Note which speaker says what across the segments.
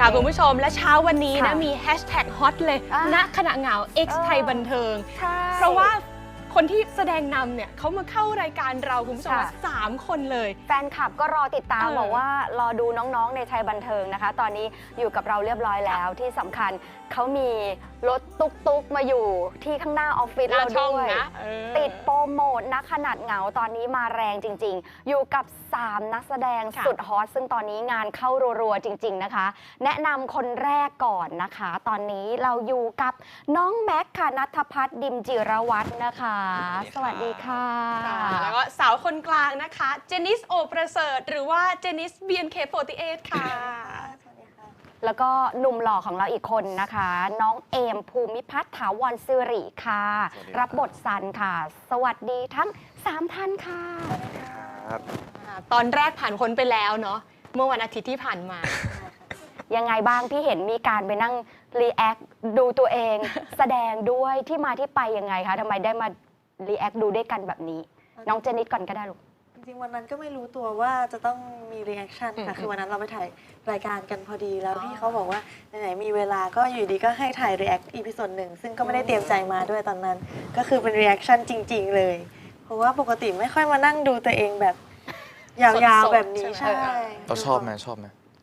Speaker 1: ค่ะคุณผู้ชมและเช้าวันนี้นะมีแฮชแท็กฮอตเลยณขณะเหงา X ไทยบันเทิงเพราะว่าคนที่แสดงนำเนี่ยเขามาเข้ารายการเราคุณผู้ชม3 คนเลย
Speaker 2: แฟนคลับก็รอติดตามบอกว่ารอดูน้องๆในไทยบันเทิงนะคะตอนนี้อยู่กับเราเรียบร้อยแล้วที่สำคัญเขามีรถตุ๊กๆมาอยู่ที่ข้างหน้าออฟฟิศเราด้วยติดโปรโมทณขนาดเหงาตอนนี้มาแรงจริงๆอยู่กับ3 นักแสดงสุดฮอตซึ่งตอนนี้งานเข้ารัวๆจริงๆนะคะแนะนำคนแรกก่อนนะคะตอนนี้เราอยู่กับน้องแม็กค่ะณัฐพัฒน์ ดิมจิรวัฒน์นะคะสวัสดีค่ะ
Speaker 1: แล้วก็สาวคนกลางนะคะเจนิสโอประเสริฐหรือว่าเจนิส BNK48 ค่ะ
Speaker 2: แล้วก็หนุ่มหล่อของเราอีกคนนะคะน้องเอมภูมิพัฒน์ถาวรสิริค่ะรับบทซันค่ะสวัสดีทั้ง3 ท่านค่ะ
Speaker 1: ตอนแรกผ่านพ้นไปแล้วเนาะเมื่อวันอาทิตย์ที่ผ่านมา
Speaker 2: ยังไงบ้างที่เห็นมีการไปนั่งรีแอคดูตัวเองแสดงด้วยที่มาที่ไปยังไงคะทำไมได้มารีแอคดูด้วยกันแบบนี้น้องเจนิสก่อนก็ได้ลูก
Speaker 3: จริงๆวันนั้นก็ไม่รู้ตัวว่าจะต้องมีรีแอคชั่นค่ะคือวันนั้นเราไปถ่ายรายการกันพอดีแล้วพี่เขาบอกว่าไหนๆมีเวลาก็อยู่ดีก็ให้ถ่ายรีแอคอีพิโซด1ซึ่งก็ไม่ได้เตรียมใจมาด้วยตอนนั้นก็คือเป็นรีแอคชั่นจริงๆเลยเพราะว่าปกติไม่ค่อยมานั่งดูตัวเองแบบยาวๆแบบนี้ใช่
Speaker 4: เราชอบไหมชอบ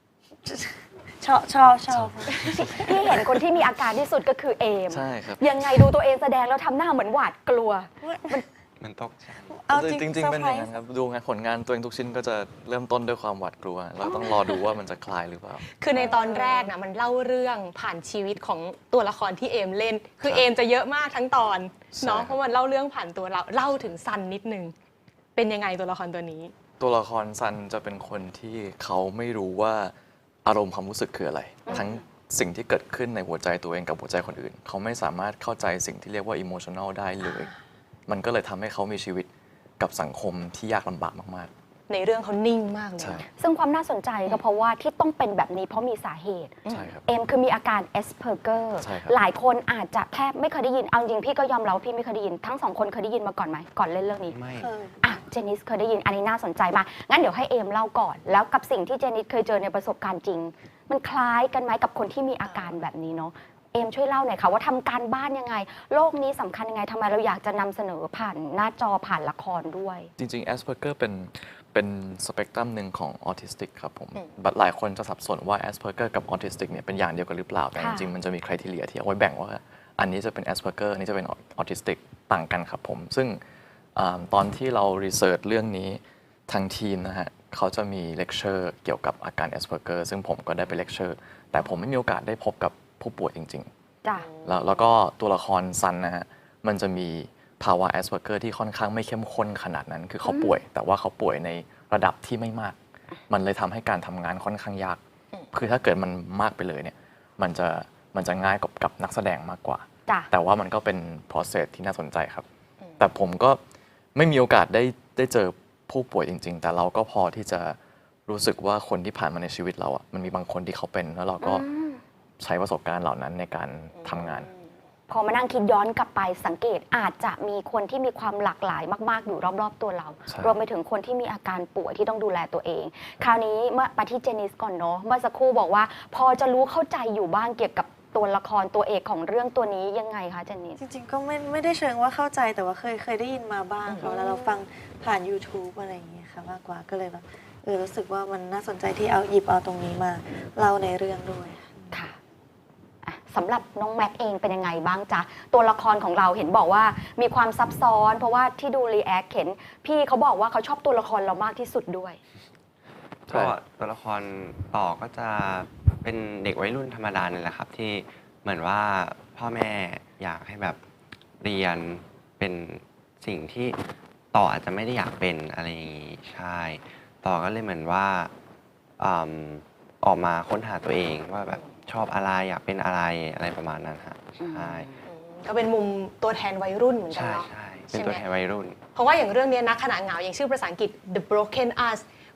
Speaker 2: ที่เห็นคนที่มีอาการที่สุดก็คือเอม
Speaker 4: ใช่ครับ
Speaker 2: ยังไงดูตัวเองแสดงแล้วทำหน้าเหมือนหวาดกลัว
Speaker 4: มันตกจริงๆเป็นอย่างนั้นครับดูงานผลงานตัวเองทุกชิ้นก็จะเริ่มต้นด้วยความหวาดกลัวเราต้องรอดูว่ามันจะคลายหรือเปล่า
Speaker 1: คือในตอนแรกนะมันเล่าเรื่องผ่านชีวิตของตัวละครที่เอมเล่นคือเอมจะเยอะมากทั้งตอนเนาะเพราะมันเล่าเรื่องผ่านตัวเราเล่าถึงซันนิดนึงเป็นยังไงตัวละครตัวนี้
Speaker 4: ตัวละครซันจะเป็นคนที่เขาไม่รู้ว่าอารมณ์ความรู้สึกคืออะไรทั้งสิ่งที่เกิดขึ้นในหัวใจตัวเองกับหัวใจคนอื่นเขาไม่สามารถเข้าใจสิ่งที่เรียกว่าอิโมชัน a ลได้เลยมันก็เลยทำให้เขามีชีวิตกับสังคมที่ยากลำบากมาก
Speaker 1: ๆในเรื่องเขานิ่งมากเลย
Speaker 2: ซึ่งความน่าสนใจก็เพราะว่าที่ต้องเป็นแบบนี้เพราะมีสาเหตุเอ็มคือมีอาการเอสเพอร์เกอร์หลายคนอาจจะแทบไม่เคยได้ยินเอาจริงพี่ก็ยอมรับพี่ไม่เคยได้ยินทั้ง2 คนเคยได้ยินมาก่อนไหมก่อนเล่นเรื่องนี้
Speaker 4: ไม่
Speaker 2: เจนิสเคยได้ยินอันนี้น่าสนใจมากงั้นเดี๋ยวให้เอมเล่าก่อนแล้วกับสิ่งที่เจนิสเคยเจอในประสบการณ์จริงมันคล้ายกันไหมกับคนที่มีอาการแบบนี้เนาะเอมช่วยเล่าหน่อยค่ะว่าทำการบ้านยังไงโลกนี้สำคัญยังไงทำไมเราอยากจะนำเสนอผ่านหน้าจอผ่านละครด้วย
Speaker 4: จริงๆ Asperger เป็นสเปกตรัมหนึ่งของออทิสติกครับผมหลายคนจะสับสนว่า Asperger กับออทิสติกเนี่ยเป็นอย่างเดียวกันหรือเปล่าแต่จริงๆมันจะมีคุณทีเรียที่เอาไว้แบ่งว่าอันนี้จะเป็น Asperger อันนี้จะเป็นออทิสติกต่างกันครับผมซึ่งตอนที่เรารีเสิร์ชเรื่องนี้ทางทีมนะฮะเขาจะมีเลคเชอร์เกี่ยวกับอาการ Asperger ซึ่งผมก็ได้ไปเลคเชอร์แต่ผมไม่มีโอกาสได้พบกับผู้ป่วยจริงๆแล้วก็ตัวละครซันนะฮะมันจะมีภาวะ Asperger ที่ค่อนข้างไม่เข้มข้นขนาดนั้นคือเขาป่วยแต่ว่าเขาป่วยในระดับที่ไม่มากมันเลยทำให้การทำงานค่อนข้างยากคือถ้าเกิดมันมากไปเลยเนี่ยมันจะง่ายกับนักแสดงมากกว่าแต่ว่ามันก็เป็น process ที่น่าสนใจครับแต่ผมก็ไม่มีโอกาสได้เจอผู้ป่วยจริงๆแต่เราก็พอที่จะรู้สึกว่าคนที่ผ่านมาในชีวิตเราอ่ะมันมีบางคนที่เขาเป็นแล้วเราก็ใช้ประสบการณ์เหล่านั้นในการทำงาน
Speaker 2: พอมานั่งคิดย้อนกลับไปสังเกตอาจจะมีคนที่มีความหลากหลายมากๆอยู่รอบๆตัวเรารวมไปถึงคนที่มีอาการป่วยที่ต้องดูแลตัวเองคราวนี้เมื่อไปที่เจนิสก่อนเนาะเมื่อสักครู่บอกว่าพอจะรู้เข้าใจอยู่บ้างเกี่ยวกับตัวละครตัวเอกของเรื่องตัวนี้ยังไงคะเจนนี่
Speaker 3: จริงๆก็ไม่ได้เชิงว่าเข้าใจแต่ว่าเคยได้ยินมาบ้างค่ะแล้วเราฟังผ่าน YouTube อะไรอย่างเงี้ยค่ะมากกว่าก็เลยแบบรู้สึกว่ามันน่าสนใจที่หยิบเอาตรงนี้มาเล่าในเรื่องด้วย
Speaker 2: ค่ะสำหรับน้องแม็กเองเป็นยังไงบ้างจ๊ะตัวละครของเราเห็นบอกว่ามีความซับซ้อนเพราะว่าที่ดูรีแอคเห็นพี่เขาบอกว่าเขาชอบตัวละครเรามากที่สุดด้วย
Speaker 5: ก็ตัวละครต่อก็จะเป็นเด็กวัยรุ่นธรรมดาเนี่ยแหละครับที่เหมือนว่าพ่อแม่อยากให้แบบเรียนเป็นสิ่งที่ต่ออาจจะไม่ได้อยากเป็นอะไรอย่างนี้ใช่ต่อก็เลยเหมือนว่าออกมาค้นหาตัวเองว่าแบบชอบอะไรอยากเป็นอะไรประมาณนั้นฮะใช่
Speaker 1: ก็เป็นมุมตัวแทนวัยรุ่นเหมือนกันเนาะ
Speaker 5: ใช่เป็นตัวแทนวัยรุ่น
Speaker 1: เพราะว่าอย่างเรื่องนี้นะขณะเหงาอย่างชื่อภาษาอังกฤษ The Broken Us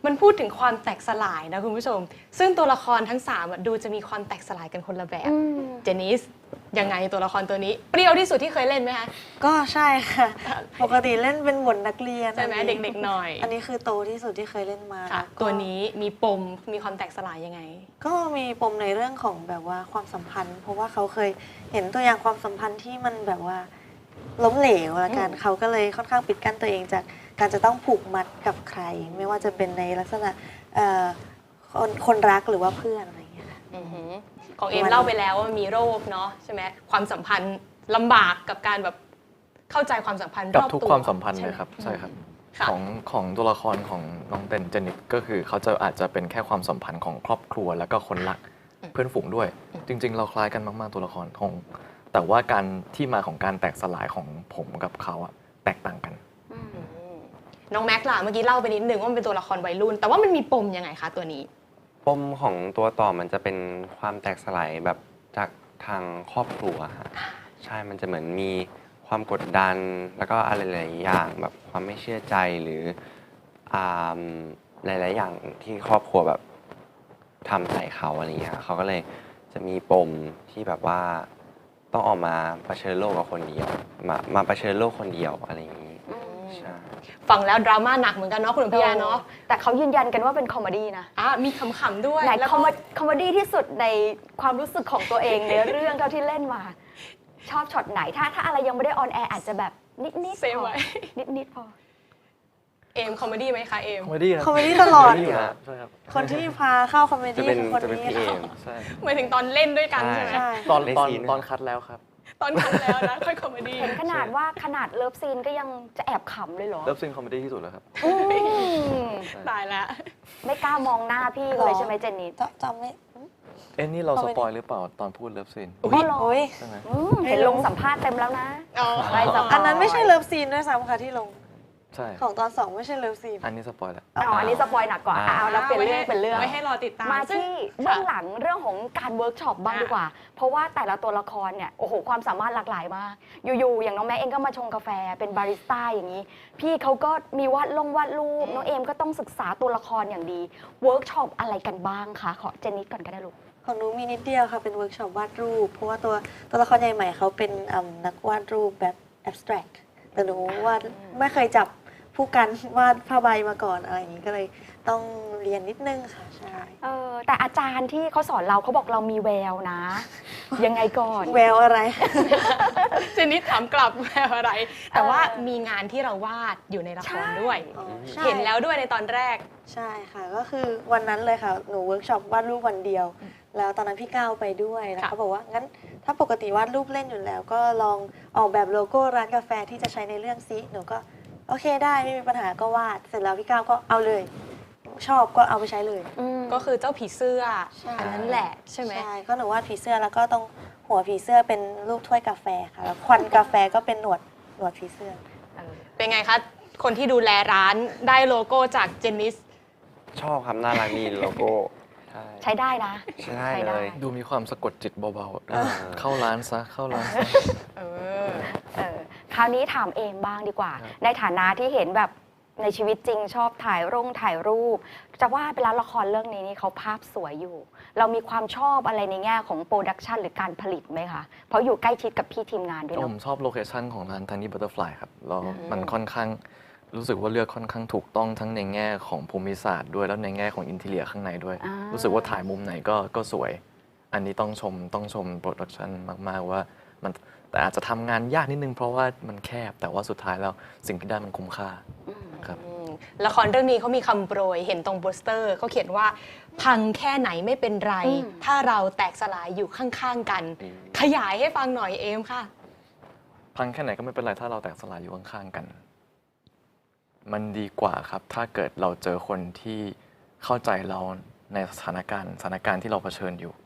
Speaker 1: มันพูดถึงความแตกสลายนะคุณผู้ชม ซึ่งตัวละครทั้ง3ดูจะมีความแตกสลายกันคนละแบบ เจนิสยังไงตัวละครตัวนี้เปรี้ยวที่สุดที่เคยเล่นไหมคะ
Speaker 3: ก็ใช่ค่ะ ปกติเล่นเป็นบทนักเรียน
Speaker 1: ใช่ไหม
Speaker 3: อันนี้
Speaker 1: เด็กๆหน่อย
Speaker 3: อันนี้คือโตที่สุดที่เคยเล่นมา
Speaker 1: ค่ะ
Speaker 3: แล้วก็
Speaker 1: ตัวนี้มีปมมีความแตกสลายยังไง
Speaker 3: ก็มีปมในเรื่องของแบบว่าความสัมพันธ์ เพราะว่าเขาเคยเห็นตัวอย่างความสัมพันธ์ที่มันแบบว่าล้มเหลวละกันเขาก็เลยค่อนข้างปิดกั้นตัวเองจากการจะต้องผูกมัดกับใคร ไม่ว่าจะเป็นในลักษณะคนรักหรือว่าเพื่อนอะไรอย่างเงี้ยค่ะ
Speaker 1: อือหือของเอมเล่าไปแล้วว่ามีโรคเนาะใช่ไหมความสัมพันธ์ลำบากกับการแบบเข้าใจความสัมพันธ์ร
Speaker 4: กับ
Speaker 1: อบตัว
Speaker 4: ทุกความสัมพันธ์
Speaker 1: ใช่
Speaker 4: เล
Speaker 1: ไห
Speaker 4: ยครับใช่ครับ
Speaker 1: ค่ะ
Speaker 4: ของตัวละครของน้องเจนิตก็คือเขาจะอาจจะเป็นแค่ความสัมพันธ์ของครอบครัวแล้วก็คนรักเพื่อนฝูงด้วย จริง ๆ เราคล้ายกันมากๆตัวละครของแต่ว่าการที่มาของการแตกสลายของผมกับเขาอะแตกต่างกัน
Speaker 1: น้องแม็กซ์ล่ะเมื่อกี้เล่าไปนิดนึงว่ามันเป็นตัวละครวัยรุ่น แต่ว่ามันมีปมยังไงคะตัวนี้
Speaker 5: ปมของตัวต่อมันจะเป็นความแตกสลายแบบจากทางครอบครัวฮะใช่ มันจะเหมือนมีความกดดัน แล้วก็อะไรหลายๆอย่างแบบความไม่เชื่อใจหรืออ่าหลายๆอย่างที่ครอบครัวแบบทำใส่เขาอะไรอย่างเงี้ยเขาก็เลยจะมีปมที่แบบว่าต้องออกมาเผชิญโลกกับคนเดียว มาเผชิญโลกคนเดียวอะไรอย่างงี้ใช่
Speaker 1: ฟังแล้วดราม่าหนักเหมือนกันเนาะคุณอภิยาเนาะ
Speaker 2: แต่เขายืนยันกันว่าเป็นคอมเมดี้นะ
Speaker 1: มีขำๆด้วย
Speaker 2: ไหน
Speaker 1: แล้ว
Speaker 2: คอ
Speaker 1: ก็
Speaker 2: มเมดี้ที่สุดในความรู้สึกของตัวเองในเรื่องเท่าที่เล่นมา ชอบช็อตไหนถ้าอะไรยังไม่ได้ออนแอร์อาจจะแบบนิดๆ
Speaker 1: เซฟ
Speaker 2: พอ
Speaker 1: ไว้
Speaker 2: นิดๆพอ
Speaker 1: เอมคอมเมดี้ไหมคะเอม
Speaker 4: คอมเมดี้
Speaker 3: คอมเมดี้ตลอด
Speaker 4: คมเมดี้ครับใช่ครับ
Speaker 3: คนที่พาเข้าคอมเมดี้
Speaker 5: จะเป็น
Speaker 3: คือคน
Speaker 5: จะเป็น
Speaker 3: นี้
Speaker 5: พี่เอ
Speaker 3: ค่ะ
Speaker 5: ม
Speaker 4: ใช่
Speaker 1: หมายถึงตอนเล่นด้วยกันใช่ไหม
Speaker 3: ใช่
Speaker 4: ตอน
Speaker 5: ใน
Speaker 4: ตอน
Speaker 5: ซีน
Speaker 4: ตอนคัดแล้วครับ
Speaker 1: ตอนคันแล้วนะค่อยคอมเมดี้
Speaker 2: เห็นขนาดว่าขนาดเลิฟซีนก็ยังจะแอบขำเลยเหรอ
Speaker 4: เลิฟซีนคอมเมดี้ที่สุดแล้วครับ
Speaker 2: อืม
Speaker 1: ตายแล้ว
Speaker 2: ไม่กล้ามองหน้าพี่เลยใช่ไหมเจนนี่
Speaker 3: จำไม่
Speaker 4: เอ้นี่เรา
Speaker 3: คอม
Speaker 4: ส
Speaker 3: เมดี้
Speaker 4: ปอยหรือเปล่าตอนพูดเลิฟซีน
Speaker 1: อุ๊ย
Speaker 3: โอ้ย
Speaker 4: ใช่ไหม
Speaker 2: เห็นลงสัมภาษณ์เต็มแล้วนะ
Speaker 1: อ๋อ
Speaker 2: ไปสัมภาษณ์
Speaker 3: อันนั้นไม่ใช่เลิฟซีนด้วยซ้ำค่ะที่ลง
Speaker 4: ใช่
Speaker 3: ของตอน 2 ไม่ใช่เลิฟซีน
Speaker 4: อันนี้สปอยแล้ว
Speaker 2: อ๋ออันนี้สปอยหนักกว่าเอาแล้วเป็นเรื่องเป็นเรื่อง
Speaker 1: ไว้ให้รอติดตาม
Speaker 2: มา
Speaker 1: ซึ่ง
Speaker 2: ที่เบื้องหลังเรื่องของการเวิร์กช็อปบ้างดีกว่า เพราะว่าแต่ละตัวละครเนี่ยโอ้โหความสามารถหลากหลายมาก อยู่ๆอย่างน้องแม็กเองก็มาชงกาแฟเป็นบาริสต้าอย่างนี้ พี่เขาก็มีวาดรูปน้องเอมก็ต้องศึกษาตัวละครอย่างดีเวิร์กช็อปอะไรกันบ้างคะขอเจนนิดก่อนก็ได้ลูก
Speaker 3: ของหนูมีนิดเดียวค่ะ เป็นเวิร์กช็อปวาดรูป เพราะว่าตัวละครใหญ่ใหม่เขาเป็นนักวาดรูปแบบ abstract แต่หนูวาดไม่เคยจับผู้กันวาดผ้าใบมาก่อนอะไรอย่างนี้ก็เลยต้องเรียนนิดนึงค่ะ ใช่
Speaker 2: แต่อาจารย์ที่เขาสอนเราเขาบอกเรามีแววนะ ยังไงก่อน
Speaker 3: แววอะไร
Speaker 1: เจนนิดถามกลับแววอะไร แต่ว่ามีงานที่เราวาดอยู่ในละครด้วย
Speaker 3: อ๋อใช่
Speaker 1: เห็นแล้วด้วยในตอนแรก
Speaker 3: ใช่ค่ะ ก็คือวันนั้นเลยค่ะ หนูเวิร์กช็อปวาดรูปวันเดียว แล้วตอนนั้นพี่ก้าวไปด้วยแล้ว
Speaker 1: ค่ะ
Speaker 3: เขาบอกว่างั้นถ้าปกติวาดรูปเล่นอยู่แล้ว ก็ลองออกแบบโลโก้ร้านกาแฟที่จะใช้ในเรื่องซิหนูก็โอเคได้ไม่มีปัญหาก็วาดเสร็จแล้วพี่ก้าวก็เอาเลย ชอบก็เอาไปใช้เลย
Speaker 1: ก็คือเจ้าผีเสื้อ
Speaker 3: ใช่
Speaker 1: อันนั้นแหละใช่ไหม
Speaker 3: ใช่ก็หนูวาดผีเสื้อแล้วก็ตรงหัวผีเสื้อเป็นรูปถ้วยกาแฟค่ะแล้วควันกาแฟก็เป็นหนวดผีเสื้อ
Speaker 1: เป็นไงคะ คนที่ดูแลร้านได้โลโก้จากเจนนิส
Speaker 5: ชอบครับน่ารักดีโลโก้ใช่
Speaker 2: ใช้ได้นะ
Speaker 5: ใช่ได้เลย
Speaker 4: ดูมีความสะกดจิตเบา
Speaker 5: เออ
Speaker 4: ๆ เข้าร้านซะ เข้าร้านซะ
Speaker 1: เออ
Speaker 2: คราวนี้ถามเอมบ้างดีกว่า
Speaker 4: ครับ
Speaker 2: ในฐานะที่เห็นแบบในชีวิตจริงชอบถ่ายรูป จะว่าไปแล้วละครเรื่องนี้นี่เขาภาพสวยอยู่ เรามีความชอบอะไรในแง่ของโปรดักชันหรือการผลิตไหมคะ เพราะอยู่ใกล้ชิดกับพี่ทีมงานด้วย
Speaker 4: ผ
Speaker 2: เนาะ
Speaker 4: มชอบโลเคชันของร้าน Tiny Butterfly ครับแล้วมันค่อนข้างรู้สึกว่าเลือกค่อนข้างถูกต้องทั้งในแง่ของภูมิศาสตร์ด้วยแล้วในแง่ของอินทีเรียข้างในด้วย
Speaker 2: อ่ารู้
Speaker 4: รู้สึกว่าถ่ายมุมไหนก็สวย อันนี้ต้องชมโปรดักชันมาก ๆ ว่ามันแต่อาจจะทำงานยากนิดนึงเพราะว่ามันแคบ แต่ว่าสุดท้ายแล้วสิ่งที่ได้มันคุ้มค่าครับ
Speaker 1: ละครเรื่องนี้เขามีคำโปรยเห็นตรงโปสเตอร์เขาเขียนว่า พังแค่ไหนไม่เป็นไร ถ้าเราแตกสลายอยู่ข้างๆกัน ขยายให้ฟังหน่อยเอมค่ะ
Speaker 4: พังแค่ไหนก็ไม่เป็นไรถ้าเราแตกสลายอยู่ข้างๆกัน มันดีกว่าครับ ถ้าเกิดเราเจอคนที่เข้าใจเราในสถานการณ์ที่เราเผชิญอยู่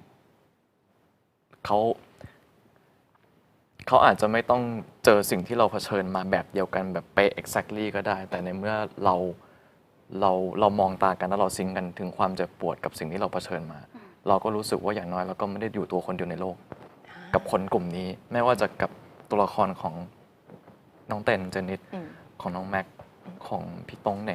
Speaker 4: เขาอาจจะไม่ต้องเจอสิ่งที่เราเผชิญมาแบบเดียวกันแบบเป๊ะ exactly ก็ได้ แต่ในเมื่อเรามองตากันแล้วเราซิงค์กันถึงความเจ็บปวดกับสิ่งที่เราเผชิญมา เราก็รู้สึกว่าอย่างน้อยเราก็ไม่ได้อยู่ตัวคนเดียวในโลก กับคนกลุ่มนี้ ไม่ว่าจะกับตัวละครของน้องเต้นเจนิตของน้องแม็กของพี่ตงเหน่ง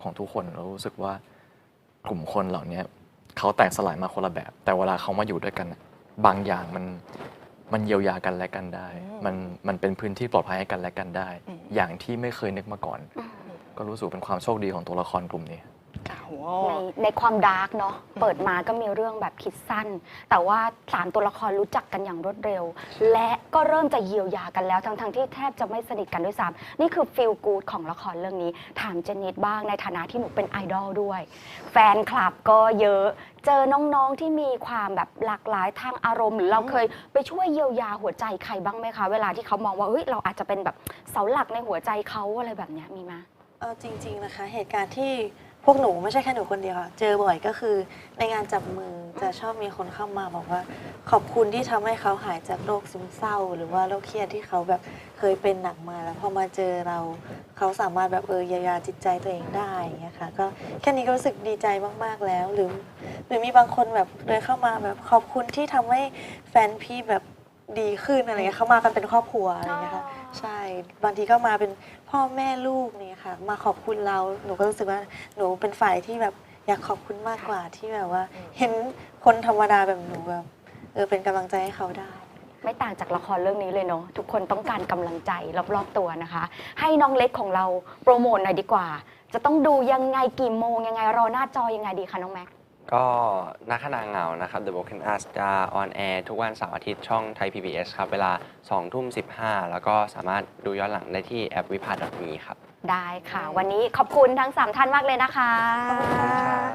Speaker 4: ของทุกคนเรารู้สึกว่ากลุ่มคนเหล่านี้เขาแตกสลายมาคนละแบบ แต่เวลาเขามาอยู่ด้วยกันน่ะบางอย่างมันเยียวยากันและกันได้ มันเป็นพื้นที่ปลอดภัยให้กันและกันได้ อย่างที่ไม่เคยนึกมาก่อน ก็รู้สึกเป็นความโชคดีของตัวละครกลุ่มนี้
Speaker 2: ในความดาร์กเนาะเปิดมาก็มีเรื่องแบบคิดสั้น แต่ว่า3ตัวละครรู้จักกันอย่างรวดเร็ว และก็เริ่มจะเยียวยากันแล้วทั้งที่แทบจะไม่สนิทกันด้วยซ้ำนี่คือฟีลกู๊ดของละครเรื่องนี้ถามเจนนิดบ้างในฐานะที่หนูเป็นไอดอลด้วย แฟนคลับก็เยอะเจอน้องๆที่มีความแบบหลากหลายทางอารมณ์หรือเราเคยไปช่วยเยียวยาหัวใจใครบ้างไหมคะเวลาที่เขามองว่าเฮ้ยเราอาจจะเป็นแบบเสาหลักในหัวใจเขาอะไรแบบเนี้ยมีไหม
Speaker 3: จริงๆนะคะเหตุการณ์ที่พวกหนูไม่ใช่แค่หนูคนเดียวค่ะเจอบ่อยก็คือในงานจับมือจะชอบมีคนเข้ามาบอกว่าขอบคุณที่ทำให้เขาหายจากโรคซึมเศร้า หรือว่าโรคเครียดที่เขาแบบเคยเป็นหนักมาแล้วพอมาเจอเราเขาสามารถแบบเยียวยาจิตใจตัวเองได้อย่างเงี้ยค่ะก็แค่นี้ก็รู้สึกดีใจมากๆแล้วหรือมีบางคนแบบเดินเข้ามาแบบขอบคุณที่ทำให้แฟนพี่แบบดีขึ้นอะไรเงี้ยเขามากันเป็นครอบครัวอะไรเงี้ยค่ะใช่บางทีก็มาเป็นพ่อแม่ลูกเนี่ยค่ะมาขอบคุณเราหนูก็รู้สึกว่าหนูเป็นฝ่ายที่แบบอยากขอบคุณมากกว่าที่แบบว่าเห็นคนธรรมดาแบบหนูแบบเป็นกำลังใจให้เขาได้
Speaker 2: ไม่ต่างจากละครเรื่องนี้เลยเนาะทุกคนต้องการกำลังใจรอบๆตัวนะคะ ให้น้องเล็กของเราโปรโมทหน่อยดีกว่า จะต้องดูยังไงกี่โมงยังไงรอหน้าจอยังไงดีคะน้องแม็ก
Speaker 5: ก็นักขนางเหงานะครับ The Broken Us จะออนแอร์ทุกวันเสาร์อาทิตย์ช่องไทย PBS ครับ เวลา 20:15 แล้วก็สามารถดูย้อนหลังได้ที่แอปวิภา.me ครับ
Speaker 2: ได้ค่ะ วันนี้ขอบคุณทั้ง 3 ท่านมากเลยนะคะ
Speaker 3: ขอบคุณค่ะ